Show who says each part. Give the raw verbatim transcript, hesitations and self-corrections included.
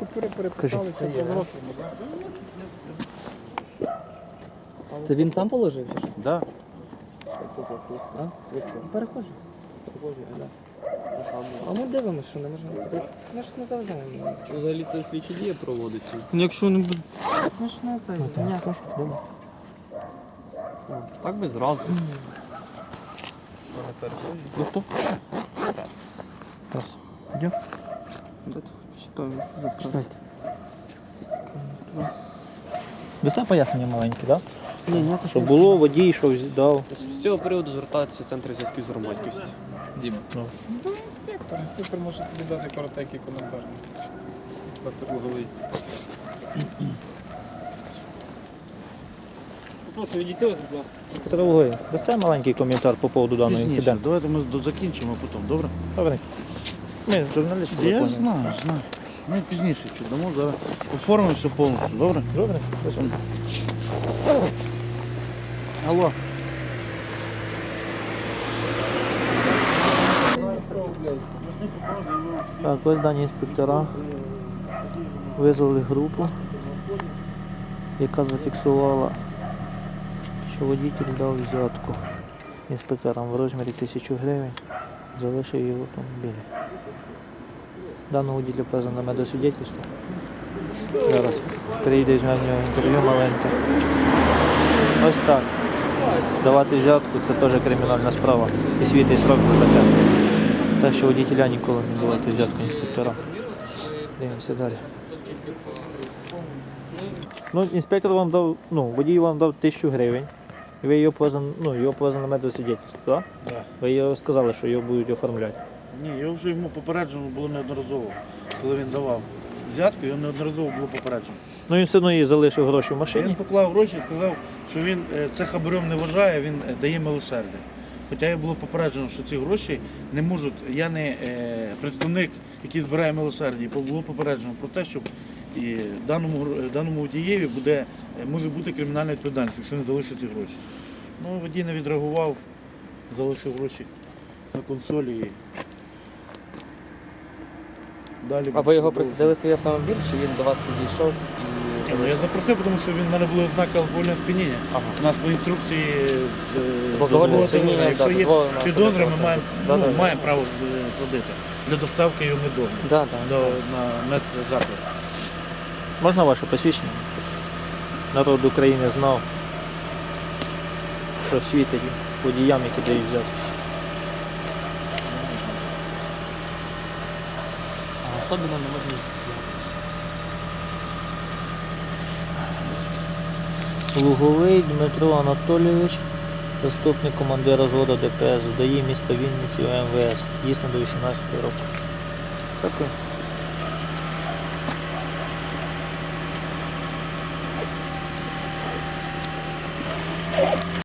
Speaker 1: купюри переписалися по взрослому, так?
Speaker 2: Це він сам положив чи що?
Speaker 3: Да.
Speaker 2: А? Перехожий. А ми дивимося, що не можемо. Ми ж не заважаємо.
Speaker 3: Взагалі це слідчі дії проводиться.
Speaker 2: Якщо не буде. Ми ж не це. Ніяко.
Speaker 3: Так би зразу. Ви хто?
Speaker 2: Раз. Йдем.
Speaker 3: Читаю.
Speaker 2: Читайте. Дасте пояснення маленьке, так?
Speaker 3: Ні, ні.
Speaker 2: Що було, водій, що дав.
Speaker 3: З цього приводу звертаються в центр зв'язків з громадськістю. Діма.
Speaker 2: Ну.
Speaker 1: Ну, інспектор. Інспектор може тобі дати коротенький коментар.
Speaker 3: Інспектор Луговий. Прошу, відійти, будь ласка.
Speaker 2: Петро Луговий, дасте маленький коментар по поводу даного інциденту?
Speaker 4: Давайте ми до- закінчимо потім, добре?
Speaker 2: Добре. Ми журналісти.
Speaker 4: Я
Speaker 2: законні.
Speaker 4: знаю, знаю. Ми пізніше що дамо, зараз оформимо все повністю, добре?
Speaker 2: Добре?
Speaker 4: Алло.
Speaker 2: Так, ось дані інспектора визвали групу, яка зафіксувала, що водій дав взятку інспекторам в розмірі тисячі гривень, залишив її в автомобілі. Даного водія вказано на медосвідчительство. Зараз прийде з нього інтерв'ю маленьке. Ось так. Давати взятку – це теж кримінальна справа. І світить срок за таке. Так що водителя ніколи не давати взятку інспектора. Дивимося далі. Ну, інспектор вам дав, ну, водій вам дав тисячу гривень. І ви його повезли, ну, його повезли на медосвідчительство, так?
Speaker 4: Да.
Speaker 2: Ви його сказали, що його будуть оформляти.
Speaker 4: Ні, його вже йому попереджено було неодноразово, коли він давав взятку, його неодноразово було попереджено.
Speaker 2: Ну, він все одно їй залишив гроші в
Speaker 4: Він
Speaker 2: машині.
Speaker 4: поклав гроші і сказав, що він е, це хабарем не вважає, він е, дає милосердя. Хоча його було попереджено, що ці гроші не можуть, я не е, представник, який збирає милосердя, і було попереджено про те, що і даному, гро- даному водієві буде, е, може бути кримінальна відповідальність, якщо не залишить ці гроші. Ну, водій не відреагував, залишив гроші на консолі. І далі
Speaker 2: А ви його
Speaker 4: буде
Speaker 2: присадили в свій автомобіль, чи він до вас підійшов?
Speaker 4: Ні, ну, я запросив, тому що він в мене були ознаки алкогольного сп'яніння.
Speaker 2: Ага.
Speaker 4: У нас по інструкції з- з
Speaker 2: Алкогольне
Speaker 4: дозволу,
Speaker 2: сп'яніння,
Speaker 4: якщо
Speaker 2: да,
Speaker 4: є
Speaker 2: дозволено
Speaker 4: підозри, ми
Speaker 2: особисто.
Speaker 4: маємо,
Speaker 2: Да,
Speaker 4: ну,
Speaker 2: да, да.
Speaker 4: маємо право з- садити для доставки його медовно
Speaker 2: Да, да.
Speaker 4: до, на медзаклад.
Speaker 2: Можна ваше посвідчення? Народ України знав, що світить водіям, які дають взятку.
Speaker 3: Особливо не можна.
Speaker 2: Луговий Дмитро Анатолійович, заступник командира зводу Д П С ВДАІ міста Вінниці ОМВС, дійсно до вісімнадцятого року. Дякую.